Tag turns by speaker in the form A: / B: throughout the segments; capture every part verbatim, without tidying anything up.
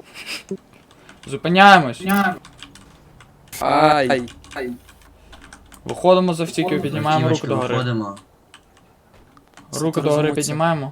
A: Зупиняємось.
B: Ай.
A: Виходимо з автівки, піднімаємо руку догори.
C: Виходимо.
A: Руку догори піднімаємо.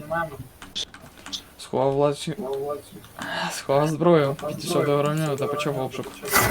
A: Сховав власні... Сховав зброю, підійшов до громадянина та почав обшук.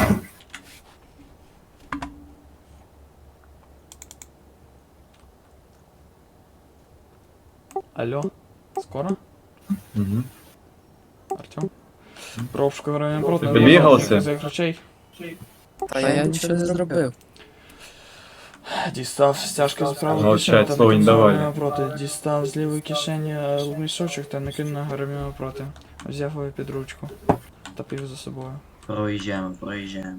A: Алло, скоро?
D: Угу.
A: Артем? Про обшук громадянина проти.
D: Ти бігався?
A: За їх речей.
B: Та я нічого не зробив.
A: Дістав стяжки з правої
D: Молчать,
A: кишені та
D: слово не
A: накинув
D: давали.
A: громадянина проти. Дістав з лівої кишені е, мішочок та накинув на громадянина проти. Взяв його під ручку та повів за собою.
C: Проїжджаємо, проїжджаємо.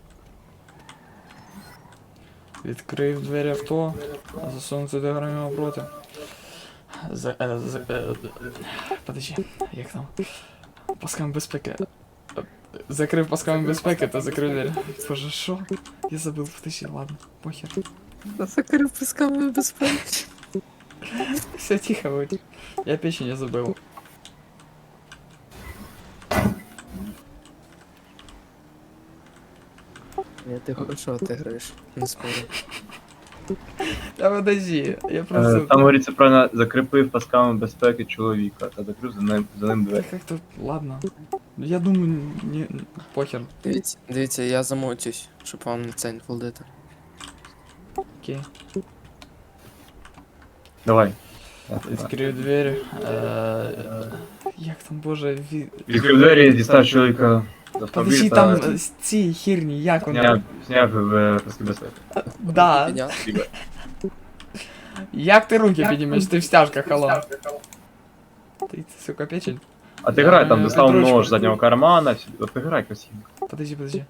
A: Відкрив двері авто, засунув туди громадянина проти. За, е, за, е, подожди, як там? Пасками безпеки. Закрив пасками безпеки та закрив двері. Боже, що? Я забыл, подожди, ладно, похер.
B: Закрив писками безпеки.
A: Все тихо будь. Я печень не забыл.
B: Ні, ти хорошо отиграєш, не спорю.
A: Да подожди, я
D: Е,
A: просто...
D: Там говориться правильно, закріпив пасками безпеки чоловіка та закрив за ним, за ним двері.
A: Как-то, ладно. Я думаю, не... похер.
B: Дивіться, дивіться, я замовчусь, щоб вам на це не фолдити.
A: Окей.
D: Давай.
A: Відкрив двері. Е, Як там, боже, ві...
D: Відкрив двері, дістав чоловіка з
A: Подожди,
D: автомобіля
A: там
D: та
A: е, ці херні, як вони?
D: зняв, зняв е, паски безпеки.
A: Да.
B: Підняв.
A: Як ти руки піднімеш? Ти в стяжках, алло. Ти, сука, печень?
D: А ти грай, там
A: Е,
D: достав
A: Петручку.
D: нож з заднього кармана, всі- от ти грай красиво.
A: Подожди, подожди.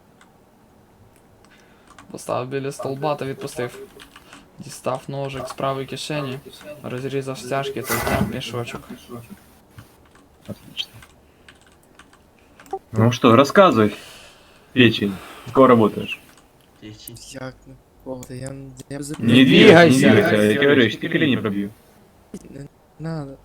A: Поставив біля столба та відпустив. Дістав ножик з правої кишені, розрізав стяжки та зняв мішочок.
D: Отлично. Ну что, рассказывай, печень, сколько работаешь?
C: Тихо.
B: Як не поводи, я, я без
D: Не,
A: Не
D: двигайся,
A: двигайся.
D: не двигайся, я говорю, я колени пробью.
B: Не надо.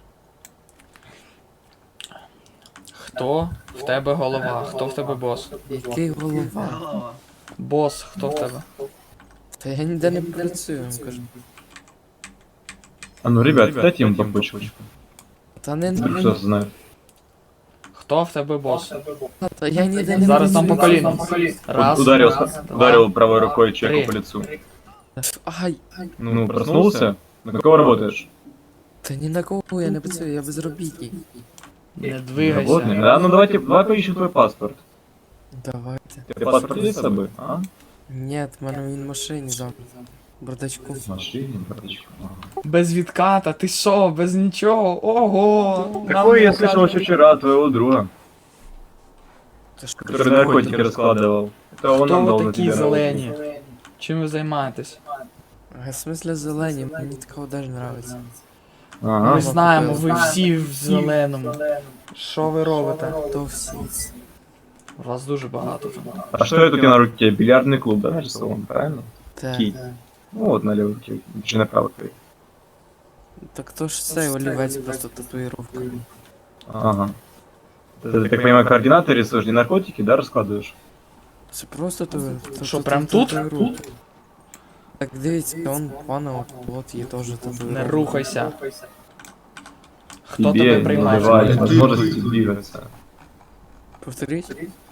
A: Хто в тебе голова? Хто в тебе бос?
B: Який голова?
C: Голова.
A: Бос, хто в тебе?
B: Та я ніде не працюю, вам кажу.
D: А ну, ребят, дайте ему по почку.
B: Та не
D: Кто знает.
A: Хто в тебе бос?
B: Та я ніде не
A: Зараз там по
B: працюю.
A: коліну. Раз,
D: Ударил,
A: раз,
D: ударил правой рукой человеку
A: три.
D: по лицу.
B: Ай,
D: Ну, проснулся? На какого работаешь?
B: та ні на кого я не працюю, я безробітний.
A: Не
D: Работный?
A: двигайся.
D: Да, ну давайте, давай поищем твой паспорт.
B: Давайте.
D: У тебя паспорт есть с собой? А?
B: Ні, в мене він в машині за бардачку.
D: В машине, браточка. Ага.
A: Без відката, ти що, без нічого? Ого!
D: Такое я
A: Нам
D: слышал еще вчера от твоего друга,
B: Та ж
D: который наркотики раскладывал. Это он нам
A: Хто
D: дал
A: ви
D: на
A: такі
D: тебя.
A: зелені? Чим ви займаєтесь?
B: А в смысле зелені, мені такого даже нравиться.
D: Ага.
A: Ми знаємо, ви всі в зеленому. Що ви робите?
B: То всі.
A: Вас дуже багато там.
D: А что это у тебя на руке? Бильярдный клуб, да, нарисован, правильно?
B: Та.
D: Кий. Ну вот на левой руке, же на правой твоей.
B: Так то ж цей олівець просто татуїровка.
D: Ага. Ты, так понимаю, координаты рисуешь, не наркотики, да, раскладываешь?
B: Це просто татуїровка.
A: Що, прям тут?
B: Так дивіться, он пана, от, от є теж татуїровка.
A: Не рухайся. Хто
D: Тебе
A: тебе
D: не
A: приймає?
D: давали возможности двигаться.
B: Повторіть?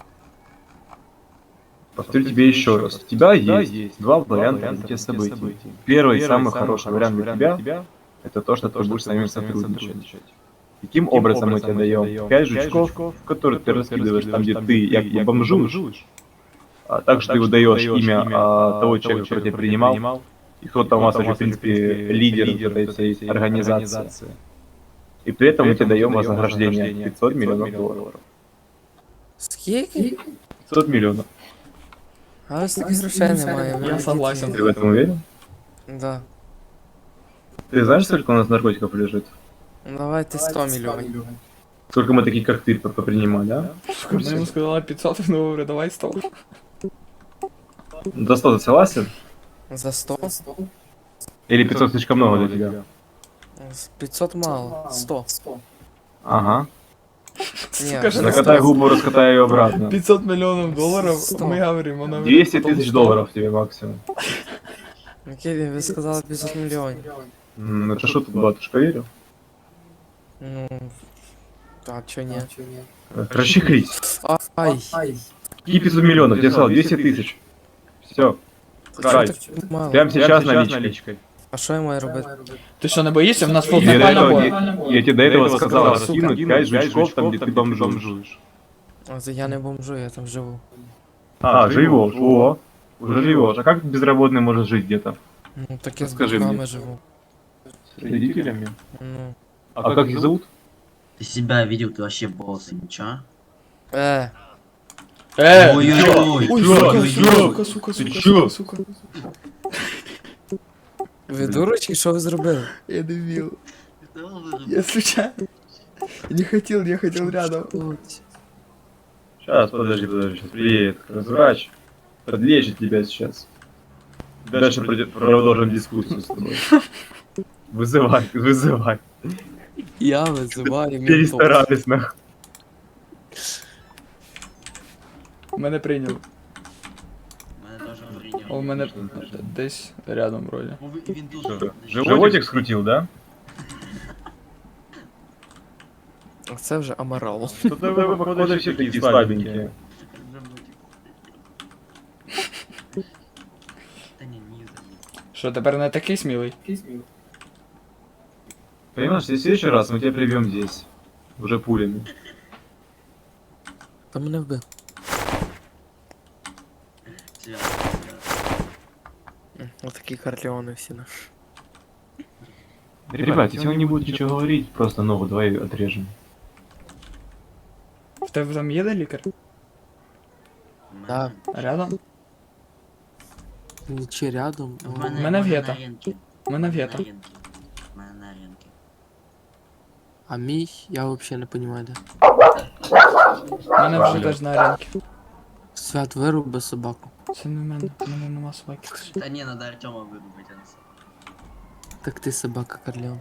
D: Повторю тебе еще раз. У тебя есть два варианта развития событий. Первый, самый хороший вариант для тебя, это то, что ты будешь с нами сотрудничать. Каким образом мы тебе даем пять жучков, которые ты раскидываешь там, где ты якобы бомжуешь, а также ты выдаешь имя а, того человека, который тебя принимал, и кто там у вас уже, в принципе, лидер вот этой всей организации. И при этом мы тебе даем вознаграждение пятьсот миллионов долларов.
B: Скільки?
D: пятьсот миллионов.
B: А ось таких грошей немає.
A: Я согласен.
D: Ты в этом уверен?
B: Да.
D: Ты знаешь, сколько у нас наркотиков лежит?
B: Ну, давайте сто мільйонів.
D: Сколько мы таких, как ты, попринимали, а?
A: Ми йому сказали п'ятсот, він говорить, давай сто.
D: За сто ты согласен?
B: За сто?
D: Или пятьсот слишком много для тебя?
B: З п'ятсот мало. сто.
D: Ага.
A: Сука, что
D: Закатай губу, раскатай ее обратно.
A: пятьсот миллионов долларов,
B: Стоп.
A: мы говорим, она...
D: двести тысяч долларов тебе максимум.
B: Окей, вы сказали пятьсот миллионов.
D: М, Это что тут, батюшка, верил?
B: Ну, а чё нет?
D: Расчехлись.
B: Ай,
D: Какие пятьсот миллионов? Я сказал двести тысяч. Все. Кай.
B: чё так мало?
D: Прямо сейчас наличкой.
B: А що я маю робити?
A: Ты что, не боишься? У нас вот
D: Я, до
A: нормально
D: этого,
A: будет.
D: я, я тебе до этого сказал,
A: сука.
D: раскинуть пять жучков там, где ты бомжуешь.
B: А це я не бомжу, я там живу.
D: А, живешь, о, уже живешь. А как безработный может жить где-то?
B: Ну, так я з
D: Скажи
B: бухами
D: мне.
B: живу.
D: С родителями?
B: Ну.
D: А как их зовут?
C: Ты себя видел, ты вообще босс, ничего?
B: Е,
A: Э!
C: Ой-ой-ой,
A: Ой,
D: чё?
A: сука,
C: ой-ой-ой.
A: сука, сука,
D: Ты
A: сука,
D: чё?
A: сука, сука.
B: ви дурочки, що ви зробили?
A: Я дебил.
C: Ты что вырубил?
A: Я случайно. Не хотел, я хотел рядом.
D: Сейчас, подожди, подожди, сейчас приедет врач, подлечит тебя сейчас. Дальше пройдет- продолжим дискуссию с тобой. Вызывай, вызывай.
B: Я визиваю ментов.
D: Перестарались нахуй.
A: Мене прийняв.
C: Мене теж прийняв.
A: А у мене десь рядом вроді.
C: Ну, ви- Він тут.
D: Что,
C: подожди.
D: Животик скрутил, да?
B: Це вже аморал.
D: Что-то вы, походу, все такие слабенькие.
C: Та ні, ні, заїб.
A: Що, тепер не такий смілий?
D: Понимаешь, в следующий раз мы тебя привьем здесь. Уже пулями.
B: Та мене вбив.
C: Свято, свято.
B: Отакі карлеони всі на.
D: Ребят, если он не будет ничего говорить, просто ногу давай отрежем.
A: В тебе там є де лікар?
C: У
B: Да.
C: мене-
A: Рядом?
B: Чи рядом?
C: У
B: Ну,
C: мене,
A: мене
C: в мене
A: в'єта.
C: на ринки.
A: У мене
C: У
A: в'єта.
C: на ринки. У мене на ринки.
B: А мій, я взагалі не розумію, де.
A: У мене вже теж на ринки.
B: Свят вируби собаку.
A: Це не в мене, у мене нема собаки.
C: Та ні, надо Артема вирубити, а не себе.
B: Так ти собака Карлеон.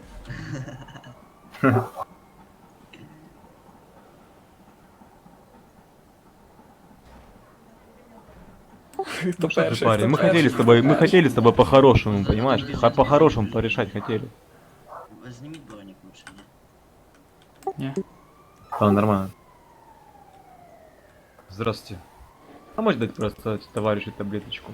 A: Хто перший?
E: Парень,
A: хто
E: мы хотели с
A: перший?
E: тобой, мы хотели с тобой по-хорошему, понимаешь? Ха- По-хорошему порешать хотели.
C: Зніміть бронік лучше, ні?
A: Ні.
D: А, нормально.
E: Здравствуйте. А можешь дать просто товарищу таблеточку?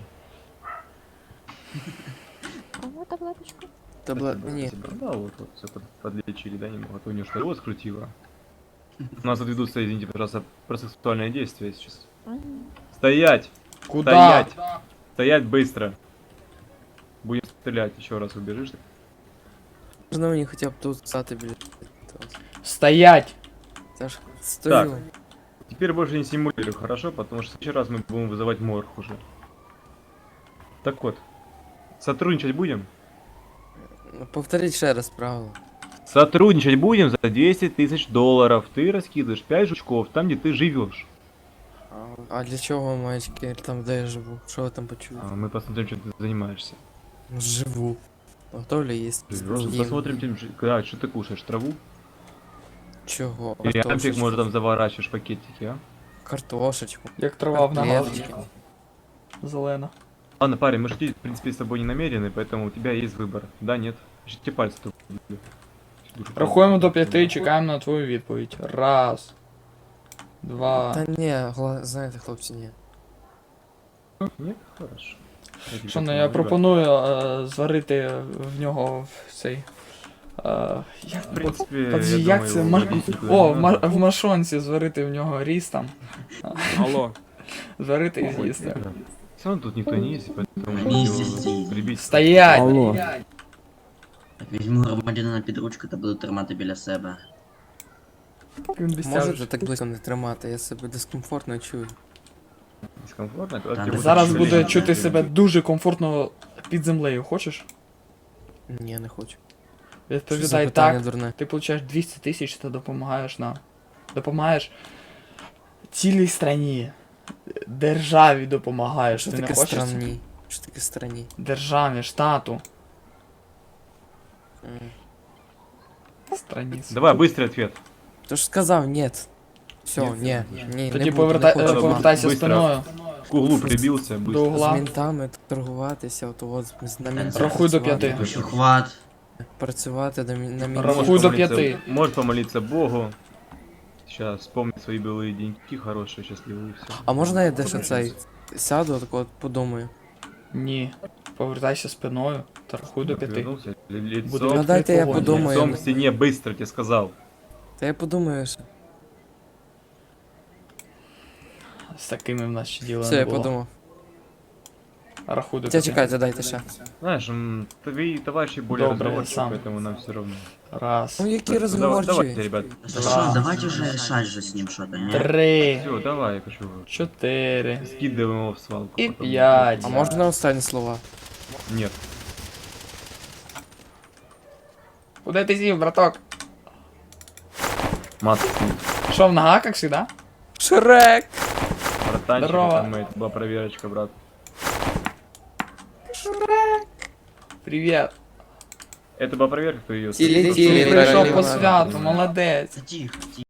F: Кому таблеточку?
B: Табла... Ні.
E: Спасибо. Да, вот, вот, все подлечили, да, немного. А то у него что, его скрутило. У нас тут ведутся, извините, пожалуйста, процессуальные действия сейчас.
F: Мгм.
E: Стоять!
A: Куда?
E: Стоять! Стоять быстро! Будем стрелять, еще раз убежишь.
B: Можна мені хоча б тут стати, блядь.
A: Стоять!
B: Це ж стою.
E: Теперь больше не симулирую, хорошо? Потому что в следующий раз мы будем вызывать морг уже. Так вот, сотрудничать будем?
B: Ну, повторіть ще раз правило.
E: Сотрудничать будем за двести тысяч долларов. Ты раскидываешь пять жучков там, где ты живешь.
B: А, а для чого мальчики там, де я живу? Що ви там почули?
E: А мы посмотрим, чем ты занимаешься.
B: Ну, живу. Готовлю есть.
E: Живешь, посмотрим, чем жи- да, что ты кушаешь, траву?
B: Чого?
E: Или ампик,
B: Картошечку.
E: может, там заворачиваешь пакетики, а?
B: Картошечку.
A: Як трава в ногах.
B: Котлеточки.
A: Зелена.
E: Ладно, парень, мы шутить, в принципе, с тобой не намерены, поэтому у тебя есть выбор. Да, нет? Тебе пальцы тут.
A: Рахуємо до п'яти і чекаємо на твою відповідь. Раз. Два.
B: Та ні, гла... знаєте, хлопці, ні.
E: Нет? Хорошо.
A: Що, ну я пропоную е, зварити в нього в цей. Е, як,
E: В принципе,
A: Подожди,
E: я
A: як
E: думаю,
A: це?
E: его
A: Ма...
E: водить никуда
A: О,
E: не
A: в, ма...
E: надо.
A: в машонці зварити в нього ріс там.
E: Алло.
A: Зварити і з'їсти.
E: Все равно тут никто не ездит, поэтому...
C: Не
E: его
C: ездите.
E: прибить.
A: Стоять!
C: Так, візьму громадянина під ручку та буду тримати біля себе.
A: Він без
B: Можете
A: тяжі.
B: так близько не тримати, я себе дискомфортно чую.
E: Дискомфортно?
C: Та
E: Как
C: не
E: тебе
A: Зараз
E: будет
A: буде
E: жалеть?
A: чути себе дуже комфортно під землею, хочеш?
B: Ні, не хочу. Що за
A: Відповідай
B: питання
A: так.
B: дурне?
A: Ти получаєш двісті тисяч та допомагаєш нам. Допомагаєш цілій страні. Державі допомагаєш.
B: Що
A: Ти не
B: таке
A: хочеш?
B: странні? Що таке странні?
A: Державі, штату.
B: М.
A: Страні.
E: Давай, быстрый ответ.
B: Ти ж сказав нет. Все,
E: Ні,
B: ні,
E: ні.
B: ні, не
A: Тоді
B: буду,
A: повертай,
B: не
A: е,
B: хочу.
A: повертайся
E: Быстро.
A: спиною.
E: К углу прибился,
A: До
E: быстро.
A: угла.
B: З ментами торгуватися, от от з- на ментах
A: Рахуй до
B: працювати.
A: п'яти.
C: Еще хват.
B: Працювати до мі- на
A: Рахуй
B: мінімум.
A: до
E: помолиться-
A: пяти.
E: Можешь помолиться Богу. Сейчас вспомнить свои былые деньки, хорошие, счастливые, и все.
B: А можна я дещо цей сяду, так от подумаю.
A: Ні. Повертайся спиною та рахуй до п'яти.
E: Отвернулся, ли-
A: Буде
E: лицом,
B: Ну дайте я
A: вогонь.
B: подумаю.
E: лицом к стене, быстро тебе сказал.
B: Та я подумаю, що.
A: З такими в нас ще діла
B: Все,
A: не
B: я
A: було.
B: подумав.
A: Рахуй до
B: Та
A: п'яти.
B: чекайте, дайте ще.
E: Знаешь, м, твои товарищи более
A: Добрый,
E: разговорчивы,
A: сам.
E: поэтому нам все равно.
A: Раз.
B: Ну які
E: Так, давай- Давайте,
B: розговорчі.
E: ребят.
C: Да
A: Два.
C: что, давайте уже решать же с ним что-то, не?
A: Три.
E: Все, давай, я хочу.
A: Чотири.
E: Скидываем его в свалку.
A: И
E: потом.
A: пять.
B: А можна останні слова?
E: Нет.
A: Куди ти сів, браток?
E: Мат.
A: Що, в нога, як завжди?
B: Шрек!
E: Братанчик,
A: Здорово.
E: это мы, это была проверочка, брат.
A: Привіт.
E: Это была проверка, кто ее...
B: Тили-тили.
A: Ти прийшов по
B: Ліна.
A: святу, молодець.
C: Да тихо, тихо.